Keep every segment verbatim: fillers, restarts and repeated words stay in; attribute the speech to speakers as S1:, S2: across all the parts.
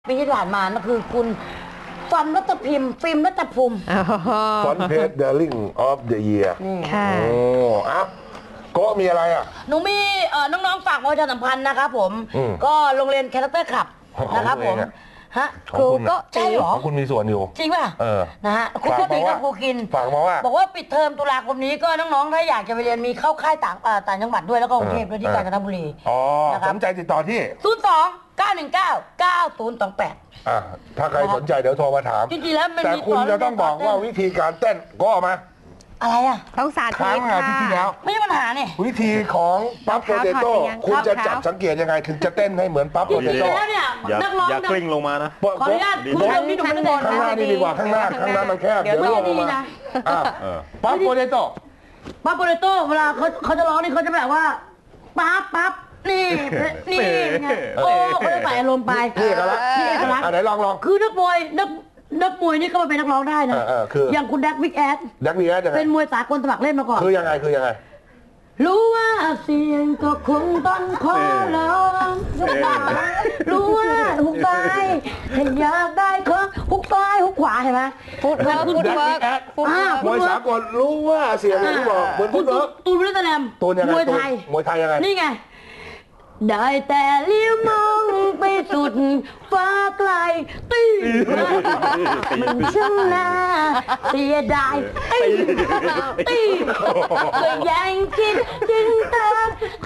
S1: ปีที่ผ่านมานั่นคือคุณฟอนรัตพิมพ์ฟิล์มรัตภูมิ
S2: ฟอนเพจเดอร์ลิงออฟเดอะเยียร์
S3: ค่ะ
S2: โอ้อัพโก็มีอะไรอ่ะ
S1: หนูมีน้องๆฝากประชาสัมพันธ์นะครับผมก็โรงเรียนแคราคเตอร์คลับนะครับผมฮะ
S2: ครูก็
S1: ใช่หรอ
S2: คุณมีส่วนอยู่
S1: จริงป่ะ
S2: เออ
S1: นะฮะครูก็ตีกับครูกิน
S2: ฝากมาว่า
S1: บอกว่าปิดเทอมตุลาคมนี้ก็น้องๆถ้าอยากจะไปเรียนมีเข้าค่ายต่างต่างจังหวัดด้วยแล้วก็กรุงเทพด้วยที่กาญจนบุรี
S2: อ๋อสนใจติดต่อที่
S1: ศูนย์สองเก้าหนึ่งเก้าเก้าศูนย์สองแปด
S2: อ่าถ้าใครสนใจเดี๋ยวโทรมาถาม
S1: จริงๆแล้ว
S2: แต่คุณจะต้องบอกว่าวิธีการเต้นก็ออกมา
S1: อะไรอ่ะ
S3: ต้องสาธิต
S2: ครั้งที่ที่แล้ว
S1: ไม่ใช่ปัญหาเนี่ย
S2: วิธีของปั๊บโปเตโต้คุณจะจับสังเกตยังไงถึงจะเต้นให้เหมือนปั๊บโปเตโต้
S4: อย่าอย่ากลิ้งลงมานะ
S1: ขออนุญาตคุณผู้ชมนี่ดูมันเดิน
S2: ข้างหน้านี่ดีกว่าข้างหน้าข้างหน้ามันแคบเดี๋ยวล่วงลงมาปั๊บโปเตโต้
S1: ปั๊บโปเตโต้เวลาเขาเขาจะร้องนี่เขาจะแบบว่าปั๊บปั๊บนี่นี่ไงโอ้เขาจะใส่อารมณ์ไป
S2: นี่เอกลักษณ์
S1: นี่เอกลักษณ์
S2: ไหนลองลอง
S1: คือนักมวยนักนักมวยนี่ก็มาเป็นนักร้องได้นะอย่างคุณแดกวิกแอด
S2: แดกวิกแอด
S1: เป็นมวยสากลสมัครเล่นมาก่อน
S2: คือยังไงคือยังไง
S1: รู้ว่าเสียงก็คงต้องขอร้องรู้ว่าหุกซ้ายถ้าอยากได้ก็หุกซ้ายหุกขวาเห็นไหม
S3: ฟุตเวิร์กฟุตเวิร์ก
S2: มวยสากลรู้ว่าเสียงอย่างที่บอกเหมือนฟุตเวิร์ก
S1: ตูนวิลเลแลม
S2: มวยไทยมวยไทยยังไง
S1: นี่ไงได้แต่เลี้ยวมองไปสุดฟ้าไกลตีมันช่างน่าเสียดายตีก็ยังคิดถึงเธอ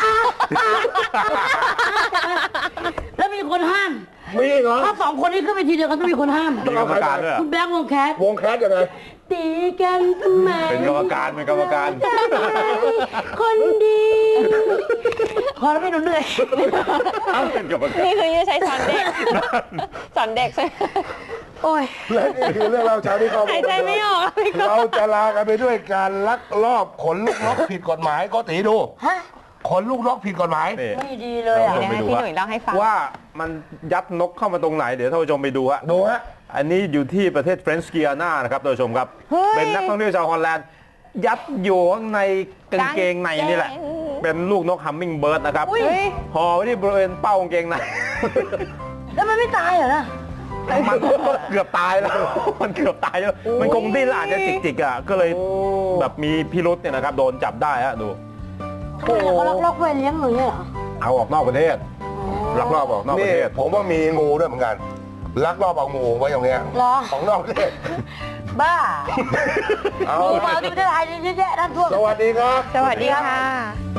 S1: แล้วมีคนห้าม
S2: มีเหรอ
S1: ถ้าสองคนนี้ขึ้นไปทีเดียวกันต้องมีคนห้าม
S4: ต้องเอาใครกันด้วย
S1: คุณแบงค์วงแคส
S2: วงแคสยังไง
S1: ตีกันทำไม
S4: เป็นกรรมการเป็นกรรมการ
S1: คนดีพอแล้วไม่หนูเหนื่อย
S3: นี่คือจะใช้สอนเด็กสอนเด็กใช่
S1: โอ้ย
S2: และนี่คือเรื่องเราเช้าที่เขา
S3: หายใจไม่ออก
S2: เราจะลากันไปด้วยการลักลอบขนลูกนกผิดกฎหมายก็ตีดูขนลูกนกผิดกฎหมาย
S1: ไม่ดีเลยอ่ะ
S3: พี่หนุ่ยเล่าให้ฟัง
S4: ว่ามันยัดนกเข้ามาตรงไหนเดี๋ยวท่านผู้ชมไปดูฮะ
S2: ดูฮะ
S4: อันนี้อยู่ที่ประเทศเฟรนช์กิอานานะครับท่านผู้ชมครับเป็นนักท่องเที่ยวชาวฮอลแลนด์ยัดอยู่ข้างในกางเกงในนี่แหละเป็นลูกนกฮัมมิงเบิร์ดนะครับห่อไว้ที่บริเวณเป้ากางเกงใน
S1: แล้วมันไม่ตายเหรอนะ
S4: มันเกือบตายแล้วมันเกือบตายแล้วมันคงดิ้นอาจจะจิกๆอ่ะก็เลยแบบมีพิรุษเนี่ยนะครับโดนจับได้ฮะดู
S1: เขาลักลอบไปเลี้ยงหรือเหรอ
S4: เอาออกนอกประเทศลักลอบออกนอกประเทศ
S2: ผมว่ามีงูด้วยเหมือนกันลักลอบเอางูไว้อย่างเงี้ยของนอกประเทศ
S1: บ้าเอามาที่ประเทศไทยเยอะแยะนั่นทั่ว
S2: สวัสดีครับ
S3: สวัสดีค่ะ